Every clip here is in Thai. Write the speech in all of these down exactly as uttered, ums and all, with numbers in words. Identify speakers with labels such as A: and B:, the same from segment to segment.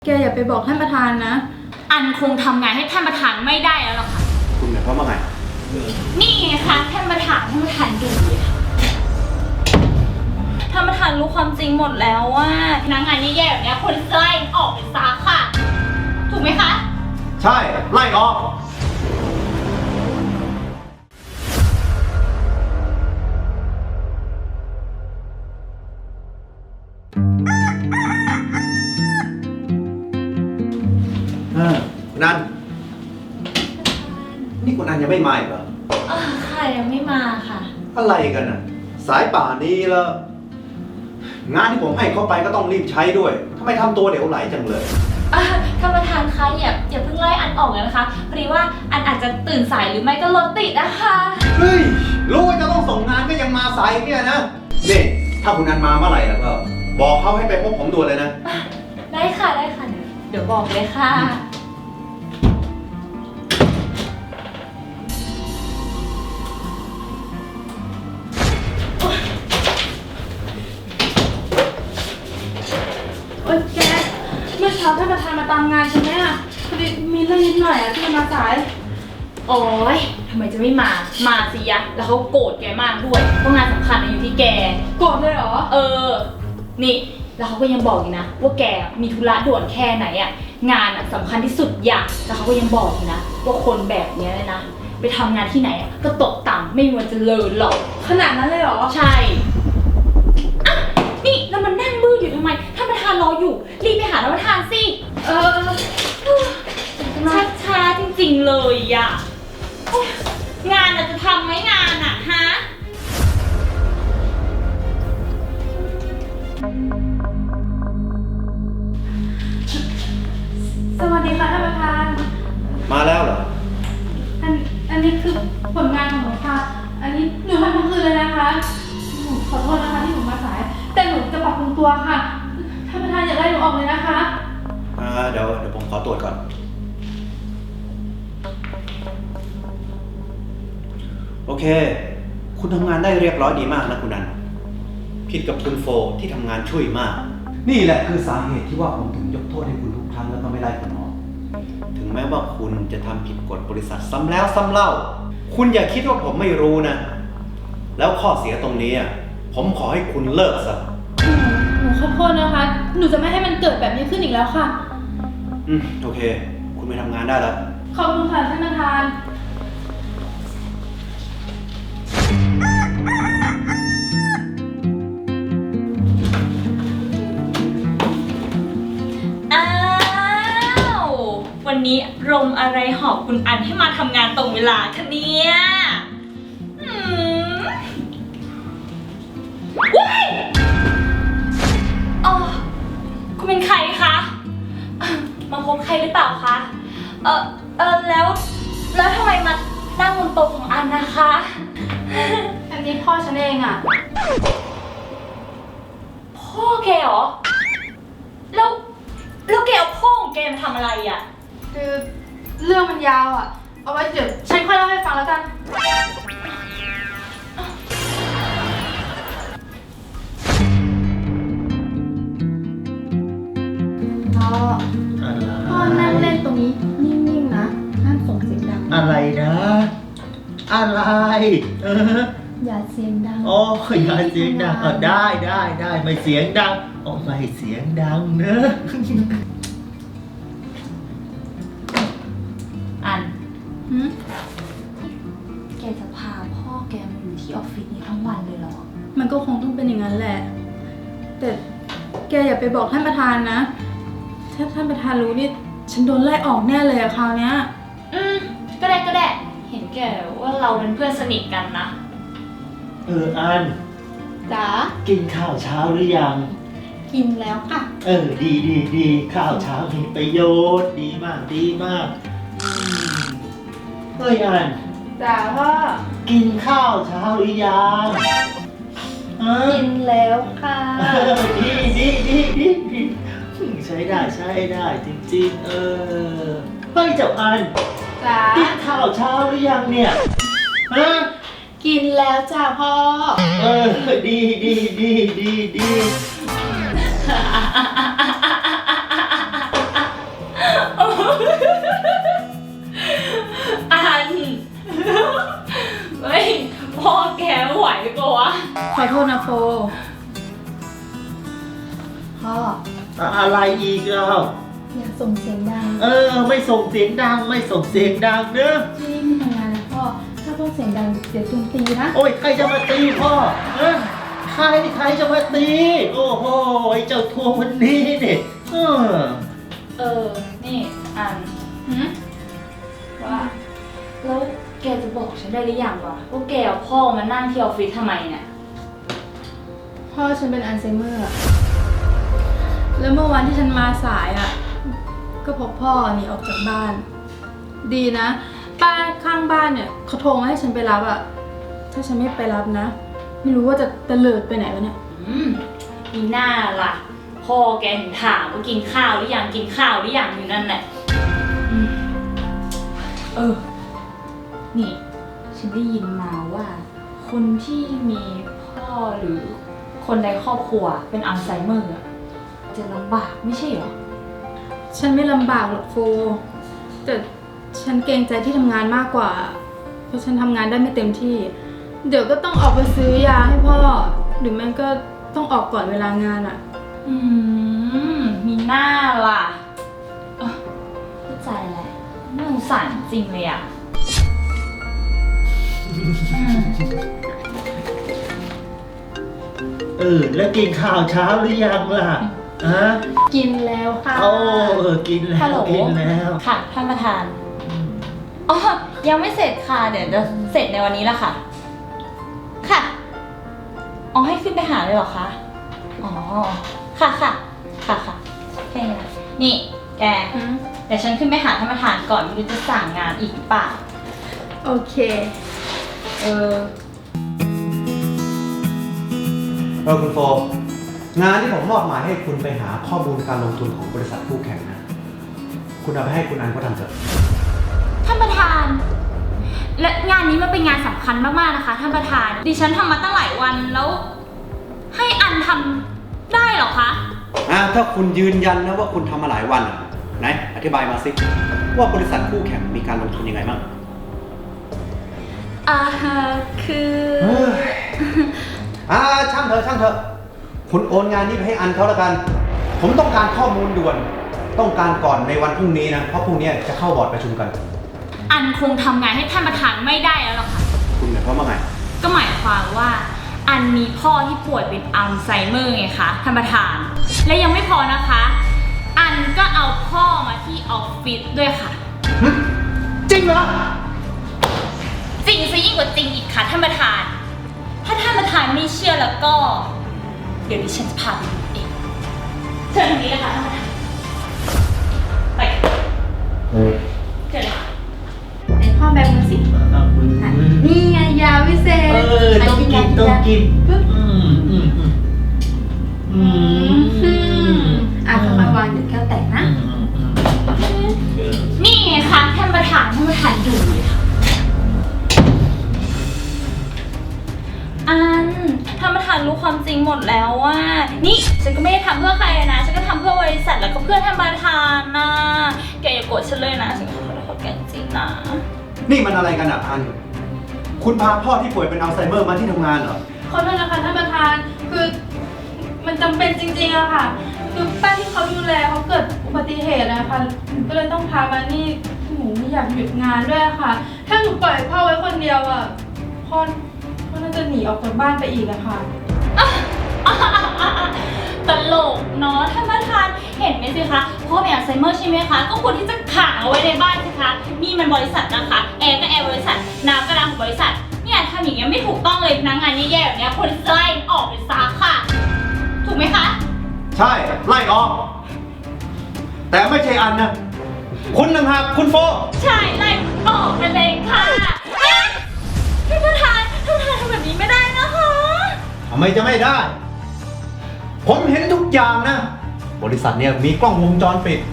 A: แกอย่าไปบอกท่านประธานนะ
B: อันคงทำงานให้ท่านประธานไม่ได้แล้วหรอกค่ะ
C: คุณหมายความว่าไง
B: นี่ไงคะท่านประธานท่านประธานดูเลยค่ะท่านประธานรู้ความจริงหมดแล้วว่าพนักงานแย่ๆแบบนี้คนไล่ออกไปซะค่ะถูกไหมคะ
C: ใช่ไล่ออกคุณนันนี่คุณนันยังไม่มาอีกเหรอ
B: อ่าค่ะยังไม่มาค่ะ
C: อะไรกันน่ะสายป่านนี้แล้วงานที่ผมให้เขาไปก็ต้องรีบใช้ด้วยทำไมทำตัวเหลวไหลจังเลย
B: ท่านประธานคะอย่าอย่าเพิ่งไล่อันออกเลยนะคะพอดีว่าอันอาจจะตื่นสายหรือไม่ก็รถติดนะคะ
C: เฮ้ยรู้ว่าจะต้องส่งงานก็ยังมาสายเนี่ยนะนี่ถ้าคุณนันมาเมื่อไหร่แล้วก็บอกเขาให้ไปพบผมด่วนเลยนะ
B: ได้ค่ะได้ค่ะเดี๋ยวบอกเลยค่ะ
A: โอ๊ยแกเมื่อเช้าท่านประธานมาตามงานใช่ไหมอ่ะพอดีมีเรื่องนิดหน่อยอ่ะที่มาสาย
B: โอ๊ยทำไมจะไม่มามาสิยะแล้วเขาโกรธแกมากด้วยเพราะงานสำคัญอยู่ที่แก
A: โกรธเลยเหรอ
B: เออนี่แล้วเขาก็ยังบอกอีกนะว่าแกมีธุระด่วนแค่ไหนอ่ะงานอ่ะสำคัญที่สุดอย่างแล้วเขาก็ยังบอกอีกนะว่าคนแบบนี้เลยนะไปทำงานที่ไหนอ่ะก็ตกต่ำไม่มีวันเจริญหรอก
A: ขนาดนั้นเลยเหรอ
B: ใช่อ่ะนี่แล้วมันนั่งบื้ออยู่ทำไมท่านประธานรออยู่รีบไปหาท่านประธานสิ
A: เออ
B: ช้าๆจริงๆเลยอ่ะงานอ่ะจะทำไหมงานอ่ะฮะ
A: สวัสดีค่ะท่านประธาน
C: มาแล้วเหรอ
A: อันอันนี้คือผลงานของหนูค่ะอันนี้หนูทำทั้งคืนเลยนะคะหนูขอโทษนะคะที่หนูมาสายแต่หนูจะปรับปรุงตัวค่ะท่านประธานอย่าไล่หนูออกเลยนะคะ
C: อ่าเดี๋ยวเดี๋ยวผมขอตรวจก่อนโอเคคุณทำงานได้เรียบร้อยดีมากนะคุณนันผิดกับคุณโฟที่ทำงานช่วยมากนี่แหละคือสาเหตุที่ว่าผมถึงยกโทษให้คุณทุกครั้งแล้วก็ไม่ไล่คุณออกถึงแม้ว่าคุณจะทำผิดกฎบริษัทซ้ำแล้วซ้ำเล่าคุณอย่าคิดว่าผมไม่รู้นะแล้วข้อเสียตรงนี้ผมขอให้คุณเลิกซะ
A: หนูขอโทษนะคะหนูจะไม่ให้มันเกิดแบบนี้ขึ้นอีกแล้วค่ะ
C: อืมโอเคคุณไปทำงานได้แล้ว
A: ขอบคุณค่ะท่านประธาน
B: อ้าววันนี้ลมอะไรหอบคุณอันให้มาทำงานตรงเวลาคะเนี่ยอืมว้ายอ๋อคุณเป็นใครคะมาพบใครหรือเปล่าคะเออเออแล้วแล้วทำไมมานั่งบนโต๊ะของอันนะคะ
A: อันนี้พ่อฉันเองอ่ะ
B: พ่อแกเหรอแล้วแล้วแกเอาพ่อของแกมาทำอะไรอ่ะ
A: คือเรื่องมันยาวอ่ะเอาไว้เดี๋ยวฉันค่อยเล่าให้ฟังแล้วกันพ่อพ่อนั่งเล่นตรงนี้นิ่งๆนะห้ามส่งเสียงดัง
D: อะไรนะอะไรเออ
A: อย่าเสียงดัง
D: อ๋ออย่าเสียงดังเออได้ได้ได้ไม่เสียงดังอ๋อไม่เสียงดังเนอะ
B: อัน
A: หืม
B: แกจะพาพ่อแกมาอยู่ที่ออฟฟิศนี้ทั้งวันเลยเหรอ
A: มันก็คงต้องเป็นอย่างนั้นแหละแต่แกอย่าไปบอกท่านประธานนะถ้าท่านประธานรู้นี่ฉันโดนไล่ออกแน่เลยอะคราวเนี้ย
B: อืมก็ได้ก็ได้เห็นแกว่าเราเป็นเพื่อนสนิทกันนะ
D: เอออัน
A: จ๋า
D: กินข้าวเช้าหรือยัง
A: กินแล้วค่ะ
D: เออดีดีดีข้าวเช้ามีประโยชน์ดีมากดีมากเฮ้ยอัน
A: จ๋าพ่อ
D: กินข้าวเช้าหรือยัง
A: กินแล้วค่ะ
D: ดีดีดีดีดีใช้ได้ใช้ได้จริงๆเออเฮ้ยเจ้าอัน
A: จ๋า
D: กินข้าวเช้าหรือยังเนี่ยฮะ
A: กินแล้วจ้าพ่อ
D: เออดีดีดีดีดีอบ
A: อย่าส่งเสียงดัง
D: เออ ไม่ส่งเสียงดังไม่ส่งเสียงดังเนอะ
A: ที่ไม่ทำงานนะพ่อ ถ้าพ่อเสียงดังเดี๋ยวจุนตีนะ
D: โอ้ยใครจะมาตีพ่อเออใครใครจะมาตี โอ้โหไอ้เจ้าทวงวันนี้เนี่ยเออ
B: เออ นี่อัน
A: หืม
B: ว่า แล้วแกจะบอกฉันได้หรือยังวะว่าแกเอาพ่อมานั่งที่ออฟฟิศทำไมเนี่ย
A: พ่อฉันเป็นอัลไซเมอร์อะแล้วเมื่อวันที่ฉันมาสายอะก็พบพ่อหนีออกจากบ้าน ดีนะ ป้าข้างบ้านเนี่ยเขาโทรมาให้ฉันไปรับอะถ้าฉันไม่ไปรับนะ ไม่รู้ว่าจะตะเลิดไปไหนวะเนี่ย
B: อืมมีหน้าล่ะ พ่อแกถึงถามว่ากินข้าวหรือยังกินข้าวหรือยังอยู่นั่นแหละอืมเออ นี่ ฉันได้ยินมาว่า คนที่มีพ่อหรือคนในครอบครัวเป็นอัลไซเมอร์อะจะลำบากไม่ใช่เหรอ
A: ฉันไม่ลำบากหรอกโฟแต่ฉันเกรงใจที่ทำงานมากกว่า เพราะฉันทำงานได้ไม่เต็มที่ เดี๋ยวก็ต้องออกไปซื้อยาให้พ่อ หรือแม่ก็ต้องออกก่อนเวลางานอะ
B: อืม มีหน้าล่ะเออเข้าใจแหละน่าสงสารจริงเลยอ่ะอืม
D: เออแล้วกินข้าวเช้าหรือยังล่ะฮะ
A: กินแล้วค่ะ
D: โอ้เออกินแล้
B: ฮัลโหล
D: วกินแล้ว
B: ค่ะท่านประธาน อ๋อ ยังไม่เสร็จค่ะ เดี๋ยวจะเสร็จในวันนี้แล้วค่ะ ค่ะ อ๋อ ให้ขึ้นไปหาเลยเหรอคะ อ๋อ ค่ะค่ะ ค่ะค่ะแค่นี้นะนี่ แก
A: อืม
B: เดี๋ยวฉันขึ้นไปหาท่านประธานก่อนไม่รู้จะสั่งงานอีกหรือเปล่า
A: โอเค
B: เออ
C: เออคุณโฟงานที่ผมมอบหมายให้คุณไปหาข้อมูลการลงทุนของบริษัทคู่แข่งนะ คุณเอาไปให้คุณอันเขาทำเถอะ
B: ท่านประธาน และงานนี้มันเป็นงานสำคัญมากๆนะคะท่านประธาน ดิฉันทำมาตั้งหลายวันแล้ว ให้อันทำได้เหรอคะ
C: อ่าถ้าคุณยืนยันนะว่าคุณทำมาหลายวันอ่ะไหนอธิบายมาสิว่าบริษัทคู่แข่งมีการลงทุนยังไงบ้าง
B: อ่าคือ
C: เฮ้ยอ่าช่างเถอะช่างเถอะคุณโอนงานนี้ไปให้อันเขาแล้วกัน ผมต้องการข้อมูลด่วน ต้องการก่อนในวันพรุ่งนี้นะเพราะพรุ่งนี้จะเข้าบอร์ดประชุมกัน
B: อันคงทำงานให้ท่านประธานไม่ได้แล้วหรอกค่ะ
C: คุณหมายความว่าไง
B: ก็หมายความว่า อันมีพ่อที่ป่วยเป็นอัลไซเมอร์ไงคะท่านประธาน และยังไม่พอนะคะ อันก็เอาพ่อมาที่ออฟฟิศด้วยค่ะ
C: จริงเหรอ
B: จริงซะยิ่งกว่าจริงอีกค่ะท่านประธาน ถ้าท่านประธานไม่เชื่อแล้วก็ เดี๋ยวดิฉันจะพาไปดูเองเชิญทางนี้เลยค่ะท่านประธานไปเชิญเลยค่ะ
A: ไหนพ่อแบมือสิ
D: เอามือ
A: นี่ไงยาวิเศษ
D: เออต้องกินต้องกิน
A: ปึ๊บ
D: อืมอืมอืมอื
A: อื
D: ม
A: มอ่ะค่อยๆวางเดี๋ยวแก้วแตกนะ
D: อืมอืมอืม
B: นี่ไงคะท่านประธานท่านประธานดูเลยค่ะอันท่านประธานรู้ความจริงหมดแล้วว่า นี่ฉันก็ไม่ได้ทำเพื่อใครนะ ฉันก็ทำเพื่อบริษัทแล้วก็เพื่อท่านประธานนะแกอย่าโกรธฉันเลยนะ ฉันขอโทษแกจริงๆนะ
C: นี่มันอะไรกันอ่ะอัน คุณพาพ่อที่ป่วยเป็นอัลไซเมอร์มาที่ทำงานเหรอ
A: ขอโทษนะคะท่านประธาน คือมันจำเป็นจริงๆอะค่ะ คือป้าที่เขาดูแลเขาเกิดอุบัติเหตุนะคะหนูก็เลยต้องพามานี่หนูไม่อยากหยุดงานด้วยอะค่ะ ถ้าหนูปล่อยพ่อไว้คนเดียวอะพ่อพ่อน่าจะหนีออกจากบ้านไปอีกอะค่ะ
B: ตลกเนาะท่านประธานเห็นไหมสิคะพ่อเป็นอัลไซเมอร์ใช่ไหมคะก็ควรที่จะขังเอาไว้ในบ้านสิคะนี่มันบริษัทนะคะแอร์ก็แอร์บริษัทน้ำก็น้ำของบริษัทเนี่ยทำอย่างเงี้ยไม่ถูกต้องเลยพนักงานแย่ๆแบบเนี้ยควรจะไล่ออกไปซะค่ะ ถูกไหมคะ
C: ใช่ ไล่ออก แต่ไม่ใช่อันนะ คุณต่างหากคุณโฟ
B: ใช่ไล่ออกไปเลยค่ะอ่ะท่านประธานท่านประธานทำแบบนี้ไม่ได้นะคะ
C: ทำไมจะไม่ได้ ผมเห็นทุกอย่างนะ บริษัทเนี่ยมีกล้องวงจรปิด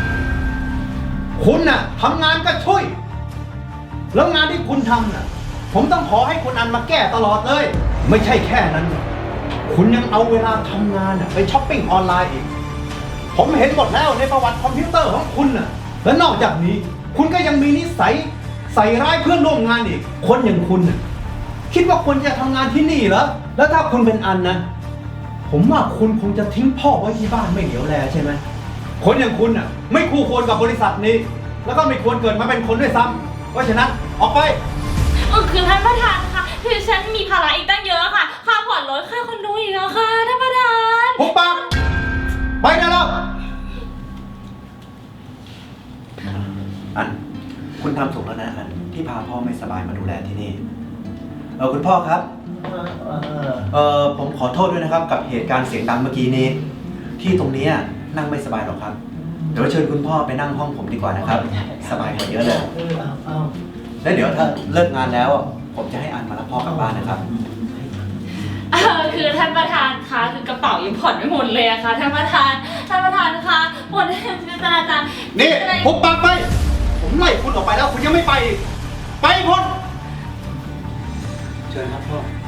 C: คุณน่ะทำงานก็ช่วย แล้วงานที่คุณทำน่ะ ผมต้องขอให้คุณอันมาแก้ตลอดเลย ไม่ใช่แค่นั้น คุณยังเอาเวลาทำงานน่ะไปช้อปปิ้งออนไลน์อีก ผมเห็นหมดแล้วในประวัติคอมพิวเตอร์ของคุณน่ะ และนอกจากนี้ คุณก็ยังมีนิสัยใส่ร้ายเพื่อนร่วมงานอีก คนอย่างคุณน่ะคิดว่าคุณจะทำงานที่นี่เหรอ แล้วถ้าคุณเป็นอันนะ ผมว่าคุณคงจะทิ้งพ่อไว้ที่บ้านไม่เหลียวแลใช่ไหมคนอย่างคุณอ่ะ ไม่คู่ควรกับบริษัทนี้ แล้วก็ไม่ควรเกิดมาเป็นคนด้วยซ้ำเพราะฉะนั้นออกไป
B: เออคือท่านประธานค่ะคือฉันมีภาระอีกตั้งเยอะค่ะ ค่าผ่อนรถค่าคอนโดอีกแล้วค่ะท่านประธาน
C: หุบปากไปได้แล้ว อัน คุณทำถูกแล้วนะอัน ที่พาพ่อไม่สบายมาดูแลที่นี่ เออคุณพ่อครับ
D: เออเออ
C: เออผมขอโทษด้วยนะครับ กับเหตุการณ์เสียงดังเมื่อกี้นี้ ที่ตรงนี้นั่งไม่สบายหรอกครับ เดี๋ยวเชิญคุณพ่อไปนั่งห้องผมดีกว่านะครับ สบายกว่าเยอะเลย
D: เออเอาเอา
C: แล้วเดี๋ยวถ้าเลิกงานแล้ว ผมจะให้อันมารับพ่อกลับบ้านนะครับ
B: เออคือท่านประธานคะคือกระเป๋ายังผ่อนไม่หมดเลยอะค่ะท่านประธานท่านประธานคะหมดท่านประธาน
C: นี่หุบปากไป ผมไล่คุณออกไปแล้ว คุณยังไม่ไปอีกไปพ้นเชิญครับพ่อ